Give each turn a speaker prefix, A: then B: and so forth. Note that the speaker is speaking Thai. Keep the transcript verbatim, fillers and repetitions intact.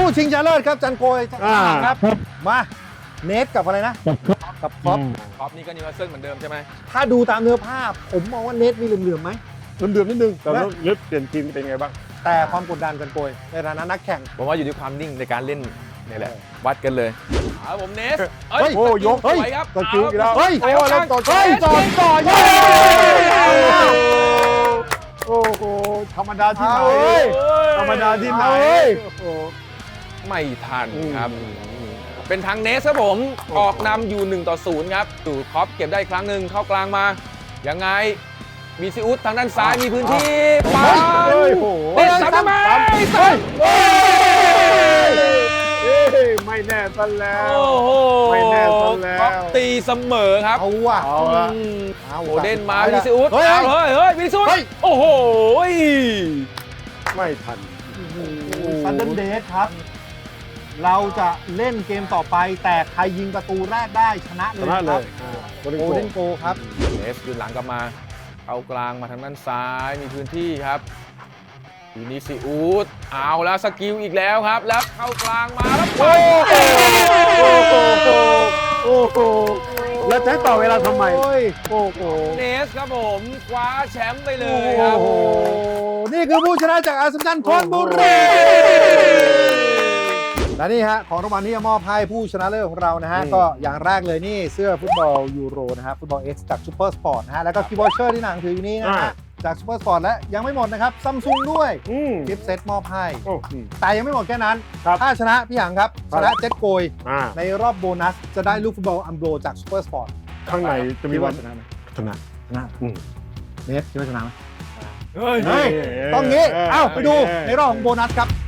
A: ชิงชนะเลิศครับจันโกยครับมาเนทกับอะไรนะกับครอป
B: ครอปนี่ก็นิวคาสเซิลเหมือนเดิมใช่ไหม
A: ถ้าดูตามเนื้อผ้าผมมองว่าเนทมีเหลื่อมๆไหม
C: เดือมๆนิดนึงแต่แล้วเลือกเปลี่ยนทีมเป็นไงบ้าง
A: แต่ความกดดันจันโกยในฐานะนักแข่ง
B: ผมว่าอยู่ที่ความนิ่งในการเล่นนี่แหละวัดกันเลยเอาผมเนส
A: เฮ้ย
C: โอ้ยก
B: สวยครับ
C: ตะคิวอีกแล้ว
A: เฮ้ย
C: โอ้ยแล้วต่อ
A: เฮ้ยจอดจอด
C: โอ้โหธรรมดาที่ไหน
A: เอาเว้ย
C: ธรรมดาที่ไหน
A: เอาเว้ย
C: โอ้โห
B: ไม่ทันครับ เป็นทางเนสครับผม ออกนำอยู่หนึ่งต่อศูนย์ครับดูครอปเก็บได้อีกครั้งหนึ่งเข้ากลางมา ยังไงมีซิอุสทางด้านซ้ายมีพื้นที่ปัน
C: เฮ้ยโอ้โห
B: เด็ดซ้ำทำไมซ้ำ
C: เฮ้ยไม่แน่ซะแล้ว
B: โอ้โห
C: ไม่แน่ซะแล้ว
B: ครอปตีเสมอครับ
A: เอาว่ะ
C: เอาละ
B: อืม
A: เอา
B: โอ
A: ว่ะ
B: เดนมา
A: สุด
B: วิ
A: ท้ย
B: ซิอุส
A: เฮ้ย
B: เอาเฮ้ยเฮ้ยวิซิอุส
A: เฮ้ย
B: โอ้โห
C: ไม่ทัน
A: ซันเดนเดทครับ เราจะเล่นเกมต่อไปแต่ใครยิงประตูแรกได้ชนะเล
C: ช
A: ย
C: นะเล
A: ครับ
C: ยอ่าโกล
A: โอ
C: เด้
A: เด
C: น
A: น
C: โก
A: โกครับ
B: เนสยืนหลังกลับมาเข้ากลางมาทางด้านซ้ายมีพื้นที่ครับวินิซิอุสเอาแล้วสกิลอีกแล้วครับ แล้วเข้ากลางมาแล้วไป
C: โอ้โหโอ้โหแล้วจะให้ต่อเวลาทำไม
A: โอ้ย
C: โอ้โห
B: เนสครับผมคว้าแชมป์ไปเล
A: โอ้
B: ยครับ
A: โห นี่คือผู้ชนะจากอาร์เซนอลธนบุรีและนี่ฮะของรางวัลที่จะมอบให้ผู้ชนะเลิศของเรานะฮะ
C: อืม
A: ก็อย่างแรกเลยนี่เสื้อฟุตบอลยูโรนะฮะฟุตบอล X จากซูเปอร์สปอร์ตนะฮะแล้วก็คีย์บอร์ดเชอร์ที่หนังถืออยู่นี้นะฮะจากซูเปอร์สปอร์ตและยังไม่หมดนะครับซัมซุงด้วย
C: อืม
A: กิฟต์เซตมอบให้
C: โอ้อืม
A: แต่ยังไม่หมดแค่นั้น
C: ครับ
A: ถ้าชนะพี่หางครับ
C: ครั
A: ช
C: บ
A: นะเจ็ตโกย
C: อ่า
A: ในรอบโบนัสจะได้ลูกฟุตบอลอัมโบรจากซูเปอร์สปอร์ต
C: ข้างในจะมี
A: คิด
C: วั
A: ว่าน ชนะไหม
C: ชนะ
A: ชนะ
C: อืม
A: เนสคิดว่าชนะไหม
B: เฮ้ย
A: เฮ้ยต้องงี้
C: เออ
A: เอ้าไปดู
C: เออ
A: ในรอบของโบนัสครับ